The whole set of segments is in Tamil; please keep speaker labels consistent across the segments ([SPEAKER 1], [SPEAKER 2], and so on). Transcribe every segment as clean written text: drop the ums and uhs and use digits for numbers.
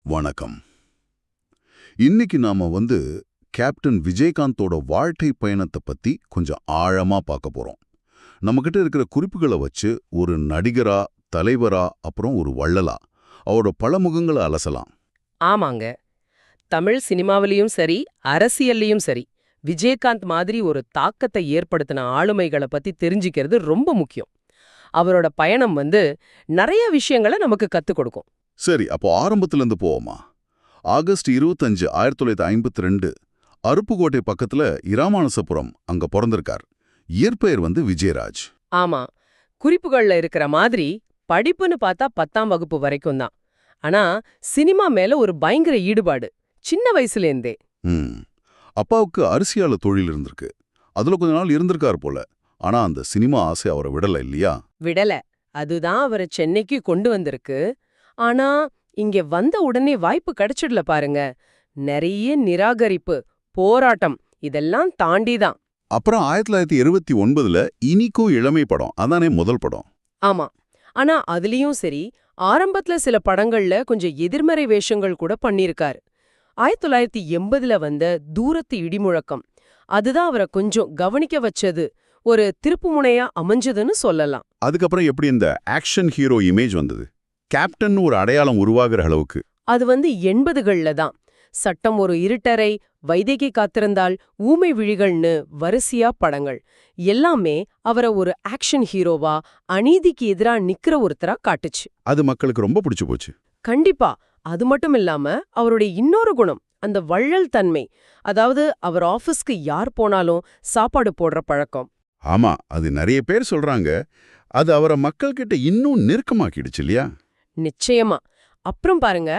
[SPEAKER 1] வணக்கம். இன்னைக்கு நாம கேப்டன் விஜயகாந்தோட வாழ்க்கை பயணத்தை பத்தி கொஞ்சம் ஆழமா பார்க்க போறோம். நம்மகிட்ட இருக்கிற குறிப்புகளை வச்சு ஒரு நடிகரா, தலைவரா, அப்புறம் ஒரு வள்ளலா அவரோட பல முகங்களை அலசலாம்.
[SPEAKER 2] ஆமாங்க. தமிழ் சினிமாவிலயும் சரி, அரசியல்லயும் சரி, விஜயகாந்த் மாதிரி ஒரு தாக்கத்தை ஏற்படுத்தின ஆளுமைகளை பத்தி தெரிஞ்சுக்கிறது ரொம்ப முக்கியம். அவரோட பயணம் நிறைய விஷயங்களை நமக்கு கத்துக் கொடுக்கும்.
[SPEAKER 1] சரி, அப்போ ஆரம்பத்துல இருந்து போவோமா? ஆகஸ்ட் 25, 1952 அருப்புக்கோட்டை பக்கத்துல இராமானுசபுரம் அங்க பிறந்திருக்கார். இயற்பெயர் விஜயராஜ்.
[SPEAKER 2] ஆமா, குறிப்புகள்ல இருக்கிற மாதிரி படிப்புன்னு பார்த்தா 10ஆம் வகுப்பு வரைக்கும் தான். ஆனா சினிமா மேல ஒரு பயங்கர ஈடுபாடு சின்ன வயசுலேருந்தே.
[SPEAKER 1] அப்பாவுக்கு அரிசியால தொழில் இருந்திருக்கு. அதுல கொஞ்ச நாள் இருந்திருக்காரு போல. ஆனா அந்த சினிமா ஆசை அவரை விடல இல்லையா?
[SPEAKER 2] விடல. அதுதான் அவரை சென்னைக்கு கொண்டு வந்திருக்கு. ஆனா இங்க வந்த உடனே வாய்ப்பு கிடைச்சிடல பாருங்க. நிறைய நிராகரிப்பு, போராட்டம் இதெல்லாம் தாண்டிதான்.
[SPEAKER 1] அப்புறம் 1979 இனிக்கும் இளமை படம், அதானே முதல் படம்.
[SPEAKER 2] ஆமா. ஆனா அதுலயும் சரி, ஆரம்பத்துல சில படங்கள்ல கொஞ்சம் எதிர்மறை வேஷங்கள் கூட பண்ணிருக்காரு. 1980 வந்த தூரத்து இடிமுழக்கம் அதுதான் அவரை கொஞ்சம் கவனிக்க வச்சது, ஒரு திருப்புமுனையா அமைஞ்சதுன்னு சொல்லலாம்.
[SPEAKER 1] அதுக்கப்புறம் எப்படி இந்த ஆக்ஷன் ஹீரோ இமேஜ் வந்தது? கேப்டன் ஒரு அடையாளம் உருவாகிற அளவுக்கு
[SPEAKER 2] அது 80கள்ல தான். சட்டம் ஒரு இருட்டறை, வைதேகி காத்திருந்தால், ஊமை விழிகள்னு வரிசையா படங்கள் எல்லாமே அவரை ஒரு ஆக்ஷன் ஹீரோவா, அநீதிக்கு எதிரா நிக்கிற ஒருத்தரா காட்டுச்சு.
[SPEAKER 1] அது மக்களுக்கு ரொம்ப பிடிச்சு போச்சு.
[SPEAKER 2] கண்டிப்பா. அது மட்டும் இல்லாம அவருடைய இன்னொரு குணம், அந்த வள்ளல் தன்மை. அதாவது அவர் ஆபீஸ்க்கு யார் போனாலும் சாப்பாடு போடுற பழக்கம்.
[SPEAKER 1] ஆமா, அது நிறைய பேர் சொல்றாங்க. அது அவரை மக்கள்கிட்ட இன்னும் நெருக்கமாக்கிடுச்சு இல்லையா?
[SPEAKER 2] நிச்சயமா. அப்புறம் பாருங்க,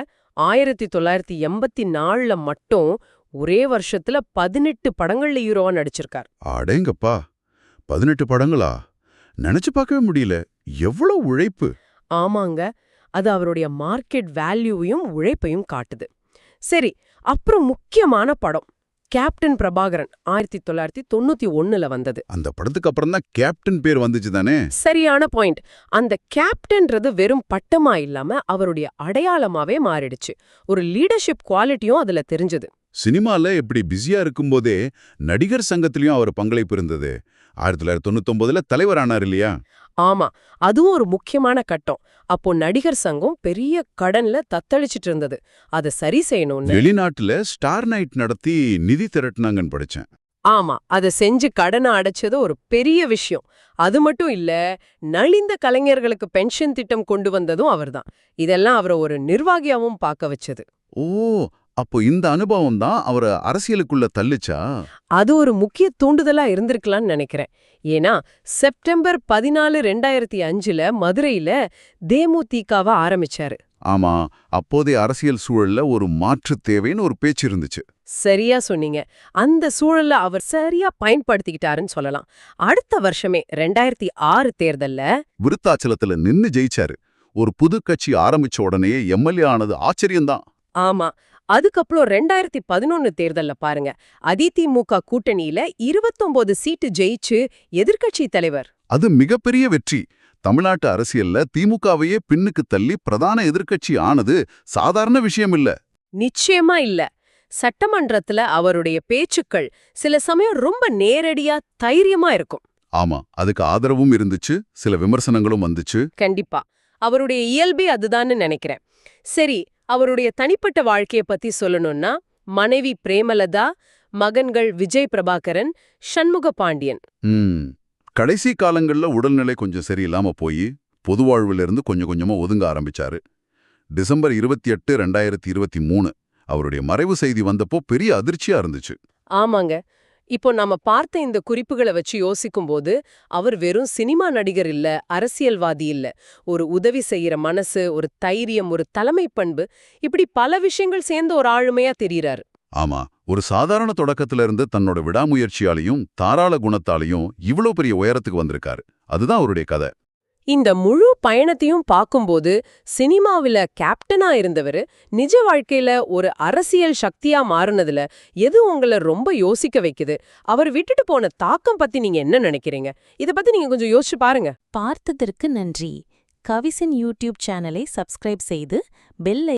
[SPEAKER 2] 1984 மட்டும் ஒரே வருஷத்துல 18 படங்கள்ல ஹீரோவா நடிச்சிருக்கார்.
[SPEAKER 1] அடேங்கப்பா, 18 படங்களா? நினைச்சு பார்க்கவே முடியல. எவ்வளவு உழைப்பு!
[SPEAKER 2] ஆமாங்க, அது அவருடைய மார்க்கெட் வேல்யூவையும் உழைப்பையும் காட்டுது. சரி, அப்புறம் முக்கியமான படம் கேப்டன் பிரபாகரன் 1991 வந்தது.
[SPEAKER 1] அந்த படத்துக்கு அப்புறம் தான் கேப்டன் பேர் வந்துச்சு தானே?
[SPEAKER 2] சரியான பாயிண்ட். அந்த கேப்டன்றது வெறும் பட்டமா இல்லாம அவருடைய அடையாளமாவே மாறிடுச்சு. ஒரு லீடர்ஷிப் குவாலிட்டியும் அதுல தெரிஞ்சது.
[SPEAKER 1] சினிமால எப்படி பிஸியா இருக்கும்போதே நடிகர் சங்கத்திலயும் அவர் பங்களிப்பு இருந்தது. 1999 தலைவரானார் இல்லையா?
[SPEAKER 2] ஆமா, அதுவும் ஒரு முக்கியமான கட்டம். அப்போ நடிகர் சங்கம் பெரிய கடன்ல தத்தளிச்சிட்டு இருந்தது. அதை சரி செய்யணும்னு
[SPEAKER 1] வெளிநாட்டுல ஸ்டார் நைட் நடத்தி நிதி திரட்டினாங்கன்னு படிச்சேன்.
[SPEAKER 2] ஆமா, அதை செஞ்சு கடனை அடைச்சது ஒரு பெரிய விஷயம். அது மட்டும் இல்ல, நலிந்த கலைஞர்களுக்கு பென்ஷன் திட்டம் கொண்டு வந்ததும் அவர்தான். இதெல்லாம் அவரை ஒரு நிர்வாகியாவும் பார்க்க வச்சது.
[SPEAKER 1] ஓ, அப்போ இந்த அனுபவம் தான் அவரை அரசியலுக்குள்ள தள்ளுச்சா?
[SPEAKER 2] அது ஒரு முக்கிய தூண்டுதலா இருந்திருக்கலாம்னு நினைக்கிறேன். ஏன்னா செப்டம்பர் 14, 2005 மதுரையில தேமுதிகவை ஆரம்பிச்சாரு.
[SPEAKER 1] ஆமா, அப்போதைய அரசியல் சூழல்ல ஒரு மாற்று தேவைன்னு ஒரு பேச்சு இருந்துச்சு.
[SPEAKER 2] சரியா சொன்னீங்க. அந்த சூழல்ல அவர் சரியா பயன்படுத்திக்கிட்டாருன்னு சொல்லலாம். அடுத்த வருஷமே 2006 தேர்தல்ல
[SPEAKER 1] விருத்தாச்சலத்துல நின்னு ஜெயிச்சாரு. ஒரு புது கட்சி ஆரம்பிச்ச உடனே எம்எல்ஏ ஆனது ஆச்சரியம்தான்.
[SPEAKER 2] ஆமா, அதுக்கப்புறம் 2011 தேர்தல்ல பாருங்க, அதிமுக கூட்டணியில 29 சீட்டு ஜெயிச்சு எதிர்க்கட்சி தலைவர்.
[SPEAKER 1] அது மிகப்பெரிய வெற்றி. தமிழ்நாட்டு அரசியல்ல திமுகவையே பின்னுக்கு தள்ளி பிரதான எதிர்க்கட்சி ஆனது சாதாரண விஷயம் இல்ல.
[SPEAKER 2] நிச்சயமா இல்ல. சட்டமன்றத்துல அவருடைய பேச்சுக்கள் சில சமயம் ரொம்ப நேரடியா, தைரியமா இருக்கும்.
[SPEAKER 1] ஆமா, அதுக்கு ஆதரவும் இருந்துச்சு, சில விமர்சனங்களும் வந்துச்சு.
[SPEAKER 2] கண்டிப்பா, அவருடைய இயல்பே அதுதான்னு நினைக்கிறேன். சரி, அவருடைய தனிப்பட்ட வாழ்க்கைய பத்தி சொல்லணும்னா, மனைவி பிரேமலதா, மகன்கள் விஜய் பிரபாகரன், சண்முக பாண்டியன்.
[SPEAKER 1] கடைசி காலங்கள்ல உடல்நிலை கொஞ்சம் சரியில்லாம போய் பொது வாழ்வுல இருந்து கொஞ்சம் கொஞ்சமா ஒதுங்க ஆரம்பிச்சாரு. டிசம்பர் 28, 2023 அவருடைய மறைவு செய்தி வந்தப்போ பெரிய அதிர்ச்சியா இருந்துச்சு.
[SPEAKER 2] ஆமாங்க. இப்போ நாம பார்த்த இந்த குறிப்புகளை வச்சு யோசிக்கும்போது, அவர் வெறும் சினிமா நடிகர் இல்ல, அரசியல்வாதி இல்ல. ஒரு உதவி செய்யற மனசு, ஒரு தைரியம், ஒரு தலைமை பண்பு, இப்படி பல விஷயங்கள் சேர்ந்த ஒரு ஆளுமையா தெரியறாரு.
[SPEAKER 1] ஆமா, ஒரு சாதாரண தொடக்கத்துல இருந்து தன்னோட விடாமுயற்சியாலையும் தாராள குணத்தாலையும் இவ்வளவு பெரிய உயரத்துக்கு வந்திருக்காரு. அதுதான் அவருடைய கதை.
[SPEAKER 2] இந்த முழு பயணத்தையும் பார்க்கும்போது, சினிமாவில கேப்டனா இருந்தவர் நிஜ வாழ்க்கையில ஒரு அரசியல் சக்தியா மாறுனதுல எது உங்களை ரொம்ப யோசிக்க வைக்குது? அவர் விட்டுட்டு போன தாக்கம் பத்தி நீங்க என்ன நினைக்கிறீங்க? இத பத்தி நீங்க கொஞ்சம் யோசிச்சு பாருங்க.
[SPEAKER 3] பார்த்ததற்கு நன்றி. கவிசின் யூடியூப் சேனலை சப்ஸ்கிரைப் செய்து பெல்